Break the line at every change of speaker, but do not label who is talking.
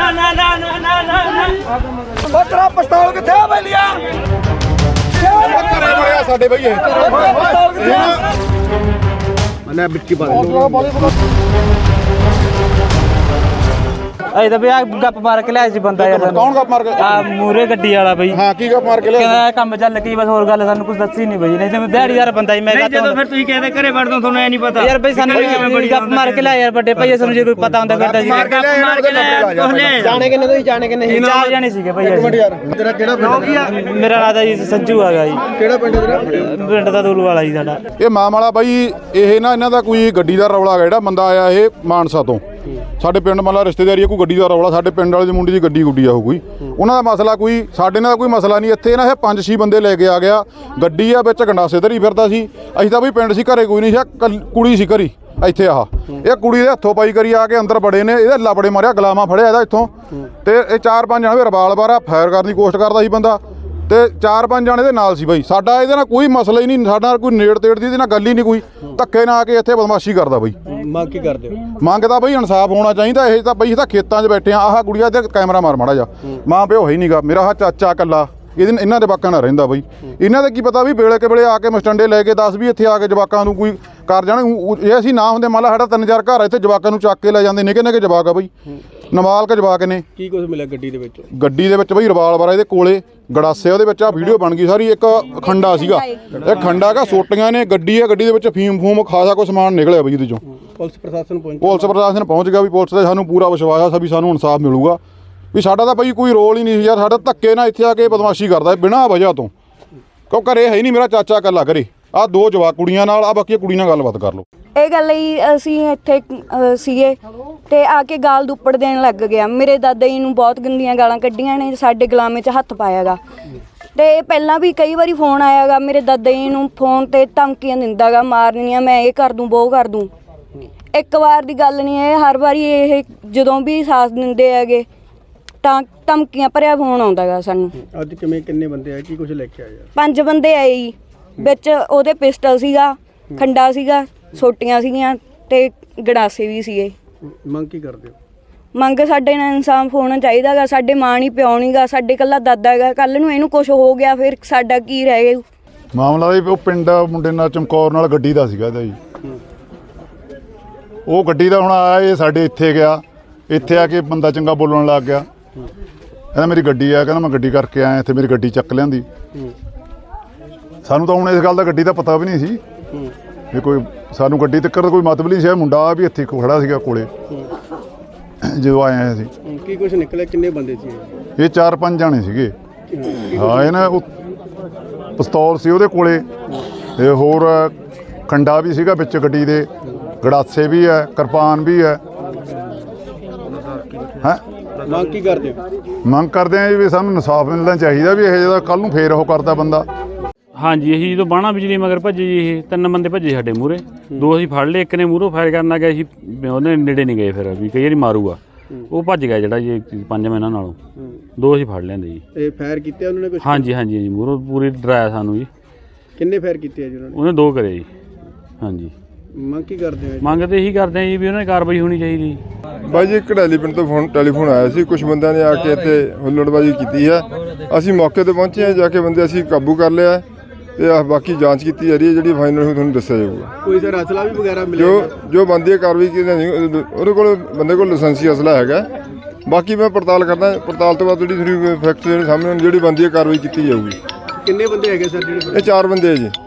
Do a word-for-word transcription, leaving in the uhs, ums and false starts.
ਨਾ ਨਾ ਨਾ ਨਾ ਨਾ
ਉਹ ਤੇਰਾ ਪਿਸਤੌਲ ਕਿੱਥੇ ਆ ਬੈਲੀਆ
ਘਰੇ ਮਰਿਆ ਸਾਡੇ ਬਈ ਇਹ
ਪਿਸਤੌਲ ਕਿੱਥੇ ਆ
ਮੈਂ ਵਿੱਕੀ ਪਾ
ਅਜੇ ਤਾਂ ਵੀ ਆ ਗੱਪ ਮਾਰ ਕੇ ਲਿਆ ਸੀ ਬੰਦਾ ਯਾਰ
ਕੌਣ ਗੱਪ ਮਾਰ ਕੇ
ਆ ਮੂਰੇ ਗੱਡੀ ਵਾਲਾ ਬਈ
ਹਾਂ ਕੀ ਗੱਪ ਮਾਰ ਕੇ ਲਿਆ
ਕਹਿੰਦਾ ਕੰਮ ਚੱਲ ਕੀ ਬਸ ਹੋਰ ਗੱਲ ਸਾਨੂੰ ਕੁਝ ਦੱਸੀ ਨਹੀਂ ਬਈ ਨਹੀਂ ਤੇ ਮੈਂ ਦਿਹਾੜੀਦਾਰ ਬੰਦਾ ਹੀ ਮੈਂ
ਨਹੀਂ ਜਦੋਂ ਫਿਰ ਤੁਸੀਂ ਕਹਿੰਦੇ ਘਰੇ ਵੜ ਦੋ ਤੁਹਾਨੂੰ ਐ ਨਹੀਂ ਪਤਾ
ਯਾਰ ਬਈ ਸਾਨੂੰ ਗੱਪ ਮਾਰ ਕੇ ਲਿਆ ਯਾਰ ਵੱਡੇ ਭਾਈ ਸਾਨੂੰ ਜੇ ਕੋਈ ਪਤਾ ਹੁੰਦਾ ਫਿਰ ਤਾਂ ਜੀ
ਗੱਪ ਮਾਰ ਕੇ ਲੈ ਕੋਹਲੇ
ਜਾਣੇ ਕਿੰਨੇ ਤੁਸੀਂ ਜਾਣੇ ਕਿੰਨੇ
ਅਸੀਂ ਚਾਰ ਜਾਣੇ ਸੀਗੇ ਭਾਈ ਅਸੀਂ
ਯਾਰ ਤੇਰਾ ਕਿਹੜਾ ਪਿੰਡ
ਮੇਰਾ ਨਾਂ ਤਾਂ ਜੀ ਸੰਜੂ ਹੈਗਾ ਜੀ
ਕਿਹੜਾ ਪਿੰਡ ਤੇਰਾ
ਪਿੰਡ ਦਾ ਦੂਲੂ ਵਾਲਾ ਜੀ ਸਾਡਾ
ਇਹ ਮਾਮ ਵਾਲਾ ਬਾਈ ਇਹ ਨਾ ਇਹਨਾਂ ਦਾ ਕੋਈ ਗੱਡੀ ਦਾ ਰੌਲਾ ਹੈਗਾ ਜਿਹੜਾ ਬੰਦਾ ਆਇਆ ਇਹ ਮਾਨਸਾ ਤੋਂ ਸਾਡੇ ਪਿੰਡ ਮਤਲਬ ਰਿਸ਼ਤੇਦਾਰੀ ਕੋਈ ਗੱਡੀ ਦਾ ਰੌਲਾ ਸਾਡੇ ਪਿੰਡ ਵਾਲੇ ਦੀ ਮੁੰਡੀ ਦੀ ਗੱਡੀ ਗੁੱਡੀ ਆ ਉਹ ਕੋਈ ਉਹਨਾਂ ਦਾ ਮਸਲਾ ਕੋਈ ਸਾਡੇ ਨਾਲ ਕੋਈ ਮਸਲਾ ਨਹੀਂ ਇੱਥੇ ਨਾ ਇਹ ਪੰਜ ਛੇ ਬੰਦੇ ਲੈ ਕੇ ਆ ਗਿਆ ਗੱਡੀ ਆ ਵਿੱਚ ਗੰਡਾਸੇ ਧਰੀ ਫਿਰਦਾ ਸੀ ਅਸੀਂ ਤਾਂ ਬਈ ਪਿੰਡ ਸੀ ਘਰੇ ਕੋਈ ਨਹੀਂ ਸੀ ਕੁੜੀ ਸੀ ਘਰੀ ਇੱਥੇ ਆਹ ਇਹ ਕੁੜੀ ਦੇ ਹੱਥੋਂ ਪਾਈ ਕਰੀ ਆ ਕੇ ਅੰਦਰ ਬੜੇ ਨੇ ਇਹਦੇ ਲਾਬੜੇ ਮਾਰਿਆ ਗਲਾਮਾ ਫੜਿਆ ਇਹਦਾ ਇੱਥੋਂ ਤੇ ਇਹ ਚਾਰ ਪੰਜ ਜਣੇ ਰਿਵਾਲਵਰ ਆ ਫਾਇਰ ਕਰਨ ਦੀ ਕੋਸ਼ਿਸ਼ ਕਰਦਾ ਸੀ ਬੰਦਾ ਤੇ ਚਾਰ ਪੰਜ ਜਣੇ ਦੇ ਨਾਲ ਸੀ ਬਾਈ ਸਾਡਾ ਇਹਦੇ ਨਾਲ ਕੋਈ ਮਸਲਾ ਹੀ ਨਹੀਂ ਸਾਡਾ ਨਾਲ ਕੋਈ ਨੇੜ ਤੇੜ ਦੀ ਇਹਦੇ ਨਾਲ ਗੱਲ ਹੀ ਨਹੀਂ ਕੋਈ ਧੱਕੇ ਨਾ ਆ ਕੇ ਇੱਥੇ ਬਦਮਾਸ਼ੀ ਕਰਦਾ ਬਾਈ
ਮੰਗ ਕੀ ਕਰਦੇ ਹੋ
ਮੰਗਦਾ ਬਈ ਇਨਸਾਫ ਹੋਣਾ ਚਾਹੀਦਾ ਇਹ ਤਾਂ ਬਈ ਇਹ ਤਾਂ ਖੇਤਾਂ 'ਚ ਬੈਠੇ ਆ ਆਹ ਗੁੜੀਆ ਤੇ ਕੈਮਰਾ ਮਾਰ ਮਾੜਾ ਜਾ ਮਾਂ ਪਿਓ ਹੈ ਹੀ ਨਹੀਂਗਾ ਮੇਰਾ ਆਹ ਚਾਚਾ ਇਕੱਲਾ ਇਹਦੇ ਇਹਨਾਂ ਦੇ ਜਵਾਕਾਂ ਨਾਲ ਰਹਿੰਦਾ ਬਈ ਇਹਨਾਂ ਦੇ ਕੀ ਪਤਾ ਵੀ ਵੇਲੇ ਕੇ ਵੇਲੇ ਆ ਕੇ ਮਸਟੰਡੇ ਲੈ ਕੇ ਦੱਸ ਵੀ ਇੱਥੇ ਆ ਕੇ ਜਵਾਕਾਂ ਨੂੰ ਕੋਈ ਕਰ ਜਾਣ ਇਹ ਅਸੀਂ ਨਾ ਹੁੰਦੇ ਮੰਨ ਲਾ ਸਾਡਾ ਤਿੰਨ ਚਾਰ ਘਰ ਇੱਥੇ ਜਵਾਕਾਂ ਨੂੰ ਚੱਕ ਕੇ ਲੈ ਜਾਂਦੇ ਨਿੱਕੇ ਨਿੱਕੇ ਜਵਾਕ ਆ ਬਈ ਨਮਾਲਕ ਜਵਾਕ ਨੇ
ਕੀ ਕੁਝ ਮਿਲਿਆ ਗੱਡੀ ਦੇ ਵਿੱਚ
ਗੱਡੀ ਦੇ ਵਿੱਚ ਬਈ ਰਿਵਾਲਵਰ ਇਹਦੇ ਕੋਲੇ ਗੜਾਸੇ ਉਹਦੇ ਵਿੱਚ ਆ ਵੀਡੀਓ ਬਣ ਗਈ ਸਾਰੀ ਇੱਕ ਖੰਡਾ ਸੀਗਾ ਇਹ ਖੰਡਾ ਕਾ ਸੋਟੀਆਂ ਨੇ ਗੱਡੀ ਆ ਗੱਡੀ ਦੇ ਵਿੱਚ ਫੀਮ ਫੂਮ ਖਾਸਾ ਕੋਈ ਸਮਾਨ ਨਿਕਲਿਆ ਬਈ ਇਹਦੇ ਚੋਂ
ਪੁਲਿਸ ਪ੍ਰਸ਼ਾਸਨ ਪਹੁੰਚ
ਪੁਲਿਸ ਪ੍ਰਸ਼ਾਸਨ ਪਹੁੰਚ ਗਿਆ ਵੀ ਪੁਲਿਸ ਤੇ ਸਾਨੂੰ ਪੂਰਾ ਵਿਸ਼ਵਾਸ ਆ ਵੀ ਸਾਨੂੰ ਇਨਸਾਫ ਮਿਲੂਗਾ ਵੀ ਸਾਡਾ ਤਾਂ ਬਈ ਕੋਈ ਰੋਲ ਹੀ ਨਹੀਂ ਸੀ ਯਾਰ ਸਾਡਾ ਧੱਕੇ ਨਾਲ ਇੱਥੇ ਆ ਕੇ ਬਦਮਾਸ਼ੀ ਕਰਦਾ ਬਿਨਾਂ ਵਜ੍ਹਾ ਤੋਂ ਕਿਉਂ ਘਰੇ ਹੈ ਹੀ ਨਹੀਂ ਮੇਰਾ ਚਾਚਾ ਇਕੱਲਾ ਘਰੇ ਆਹ ਦੋ ਜਵਾਕ ਕੁੜੀਆਂ ਨਾਲ ਆ ਬਾਕੀ ਕੁੜੀ ਨਾਲ ਗੱਲਬਾਤ ਕਰ ਲਓ
ਇਹ ਗੱਲ ਹੀ ਅਸੀਂ ਇੱਥੇ ਅ, ਸੀਗੇ ਤੇ ਆ ਕੇ ਗਾਲ ਦੁੱਪੜ ਦੇਣ ਲੱਗ ਗਿਆ ਮੇਰੇ ਦਾਦਾ ਜੀ ਨੂੰ ਬਹੁਤ ਗੰਦੀਆਂ ਗਾਲਾਂ ਕੱਢੀਆਂ ਨੇ ਸਾਡੇ ਗੁਲਾਮੇ 'ਚ ਹੱਥ ਪਾਇਆਗਾ ਤੇ ਪਹਿਲਾਂ ਵੀ ਕਈ ਵਾਰੀ ਫੋਨ ਆਇਆਗਾ ਮੇਰੇ ਦਾਦਾ ਜੀ ਨੂੰ ਫੋਨ ਤੇ ਧਮਕੀਆਂ ਦਿੰਦਾਗਾ ਮਾਰਨੀਆਂ ਮੈਂ ਇਹ ਕਰ ਦੂੰ ਉਹ ਕਰ ਦੂੰ ਇੱਕ ਵਾਰ ਦੀ ਗੱਲ ਨਹੀਂ ਇਹ ਹਰ ਵਾਰੀ ਇਹ ਜਦੋਂ ਵੀ ਸਾਥ ਦਿੰਦੇ ਹੈਗੇ ਤਾਂ ਧਮਕੀਆਂ ਭਰਿਆ ਫੋਨ ਆਉਂਦਾਗਾ ਸਾਨੂੰ
ਅੱਜ ਕਿਵੇਂ ਕਿੰਨੇ ਬੰਦੇ ਆਏ ਕੀ ਕੁਝ ਲੈ ਕੇ ਆਏ ਯਾਰ
ਪੰਜ ਬੰਦੇ ਆਏ ਜੀ ਵਿੱਚ ਉਹਦੇ ਪਿਸਟਲ ਸੀਗਾ ਖੰਡਾ ਸੀਗਾ ਸੋਟੀਆਂ ਸੀਗੀਆਂ ਤੇ ਗੜਾਸੇ ਵੀ ਸੀਗੇ
ਮੰਗ ਕੀ ਕਰਦੇ ਹੋ
ਮੰਗ ਸਾਡੇ ਨਾਲ ਇਨਸਾਫ ਹੋਣਾ ਚਾਹੀਦਾਗਾ ਸਾਡੇ ਮਾਂ ਨਹੀਂ ਪਿਓ ਨਹੀਂਗਾ ਸਾਡੇ ਇਕੱਲਾ ਦਾਦਾ ਹੈਗਾ ਕੱਲ ਨੂੰ ਇਹਨੂੰ ਕੁਝ ਹੋ ਗਿਆ ਫਿਰ ਸਾਡਾ ਕੀ ਰਹਿ ਗਿਆ
ਮਾਮਲਾ ਇਹ ਉਹ ਪਿੰਡ ਮੁੰਡੇ ਨਾਲ ਚਮਕੌਰ ਨਾਲ ਗੱਡੀ ਦਾ ਸੀਗਾ ਇਹਦਾ ਜੀ ਉਹ ਗੱਡੀ ਦਾ ਹੁਣ ਆਇਆ ਇਹ ਸਾਡੇ ਇੱਥੇ ਗਿਆ ਇੱਥੇ ਆ ਕੇ ਬੰਦਾ ਚੰਗਾ ਬੋਲਣ ਲੱਗ ਗਿਆ ਕਹਿੰਦਾ ਮੇਰੀ ਗੱਡੀ ਆ ਕਹਿੰਦਾ ਮੈਂ ਗੱਡੀ ਕਰਕੇ ਆਇਆ ਇੱਥੇ ਮੇਰੀ ਗੱਡੀ ਚੱਕ ਲਿਆਂਦੀ ਸਾਨੂੰ ਤਾਂ ਹੁਣ ਇਸ ਗੱਲ ਦਾ ਗੱਡੀ ਦਾ ਪਤਾ ਵੀ ਨਹੀਂ ਸੀ ਵੀ ਕੋਈ ਸਾਨੂੰ ਗੱਡੀ ਤੱਕ ਕੋਈ ਮਤਲਬ ਨਹੀਂ ਸੀ ਮੁੰਡਾ ਵੀ ਇੱਥੇ ਖੜਾ ਸੀਗਾ ਕੋਲੇ ਜਦੋਂ ਆਏ ਆ ਅਸੀਂ
ਕੀ ਕੁਝ ਨਿਕਲਿਆ ਕਿੰਨੇ ਬੰਦੇ ਸੀ
ਇਹ ਚਾਰ ਪੰਜ ਜਾਣੇ ਸੀਗੇ ਹਾਂ ਇਹ ਨਾ ਉਹ ਪਿਸਤੌਲ ਸੀ ਉਹਦੇ ਕੋਲੇ ਤੇ ਹੋਰ ਖੰਡਾ ਵੀ ਸੀਗਾ ਵਿੱਚ ਗੱਡੀ ਦੇ ਗੜਾਸੇ ਵੀ ਹੈ ਕਿਰਪਾਨ ਵੀ ਹੈ ਹੈਂ
ਮੰਗ ਕੀ ਕਰਦੇ ਹੋ
ਮੰਗ ਕਰਦੇ ਆ ਜੀ ਵੀ ਸਾਨੂੰ ਇਨਸਾਫ ਮਿਲਣਾ ਚਾਹੀਦਾ ਵੀ ਇਹ ਜਿਹੜਾ ਕੱਲ ਨੂੰ ਫੇਰ ਉਹ ਕਰਦਾ ਬੰਦਾ
ਹਾਂਜੀ ਅਸੀਂ ਜਦੋਂ ਬਾਣਾ ਬਿਜਲੀ ਮਗਰ ਭੱਜੇ ਜੀ ਇਹ ਤਿੰਨ ਬੰਦੇ ਭੱਜੇ ਸਾਡੇ ਮੂਹਰੇ ਦੋ ਅਸੀਂ ਫੜ ਲਏ ਇੱਕ ਨੇ ਮੂਹਰੋਂ ਫਾਇਰ ਕਰਨ ਲੱਗ ਗਿਆ ਸੀ ਉਹਦੇ ਨੇੜੇ ਨਹੀਂ ਗਏ ਫਿਰ ਵੀ ਕਈ ਵਾਰੀ ਮਾਰੂਗਾ ਉਹ ਭੱਜ ਗਿਆ ਜਿਹੜਾ ਜੀ ਪੰਜ ਮਹੀਨਾ ਨਾਲੋਂ ਦੋ ਅਸੀਂ ਫੜ ਲੈਂਦੇ ਜੀ
ਇਹ ਫਾਇਰ ਕੀਤੇ ਉਹਨਾਂ ਨੇ ਕੁਝ
ਹਾਂਜੀ ਹਾਂਜੀ ਜੀ ਮੂਹਰੋਂ ਪੂਰੀ ਡਰਾਇਆ ਸਾਨੂੰ ਜੀ
ਕਿੰਨੇ ਫਾਇਰ ਕੀਤੇ ਆ ਜੀ ਉਹਨਾਂ ਨੇ
ਉਹਨੇ ਦੋ ਕਰੇ ਜੀ ਹਾਂਜੀ
ਮੰਗ ਕੀ ਕਰਦੇ ਹੋ
ਮੰਗ ਤਾਂ ਇਹੀ ਕਰਦੇ ਆ ਜੀ ਵੀ ਉਹਨਾਂ ਦੀ ਕਾਰਵਾਈ ਹੋਣੀ ਚਾਹੀਦੀ
ਬਾਈ ਜੀ ਕੜੈਲੀ ਪਿੰਡ ਤੋਂ ਫੋਨ ਟੈਲੀਫੋਨ ਆਇਆ ਸੀ ਕੁਝ ਬੰਦਿਆਂ ਨੇ ਆ ਕੇ ਇੱਥੇ ਹੁੱਲੜਬਾਜ਼ੀ ਕੀਤੀ ਹੈ ਅਸੀਂ ਮੌਕੇ ਤੇ ਪਹੁੰਚੇ ਹਾਂ ਜਾ ਕੇ ਬੰਦੇ ਅਸੀਂ ਕਾਬੂ ਕਰ ਲਿਆ ਤੇ ਆਹ ਬਾਕੀ ਜਾਂਚ ਕੀਤੀ ਜਾ ਰਹੀ ਹੈ ਜਿਹੜੀ ਫਾਈਨਲ ਤੁਹਾਨੂੰ ਦੱਸਿਆ ਜਾਊਗਾ
ਕੋਈ ਸਰ ਅਸਲਾ ਵੀ ਵਗੈਰਾ ਮਿਲਿਆ
ਜੋ ਜੋ ਬੰਦੀ ਕਾਰਵਾਈ ਕੀਤੀ ਨਹੀਂ ਉਹਦੇ ਕੋਲ ਬੰਦੇ ਕੋਲ ਲਾਇਸੈਂਸੀ ਅਸਲਾ ਹੈਗਾ ਬਾਕੀ ਮੈਂ ਪੜਤਾਲ ਕਰਦਾ ਪੜਤਾਲ ਤੋਂ ਬਾਅਦ ਜਿਹੜੀ ਥੋੜੀ ਫੈਕਟ ਜਿਹੜੇ ਸਾਹਮਣੇ ਜਿਹੜੀ ਬੰਦੀ ਕਾਰਵਾਈ ਕੀਤੀ ਜਾਊਗੀ
ਕਿੰਨੇ ਬੰਦੇ ਹੈਗੇ ਸਰ ਜਿਹੜੇ
ਇਹ ਚਾਰ ਬੰਦੇ ਹੈ ਜੀ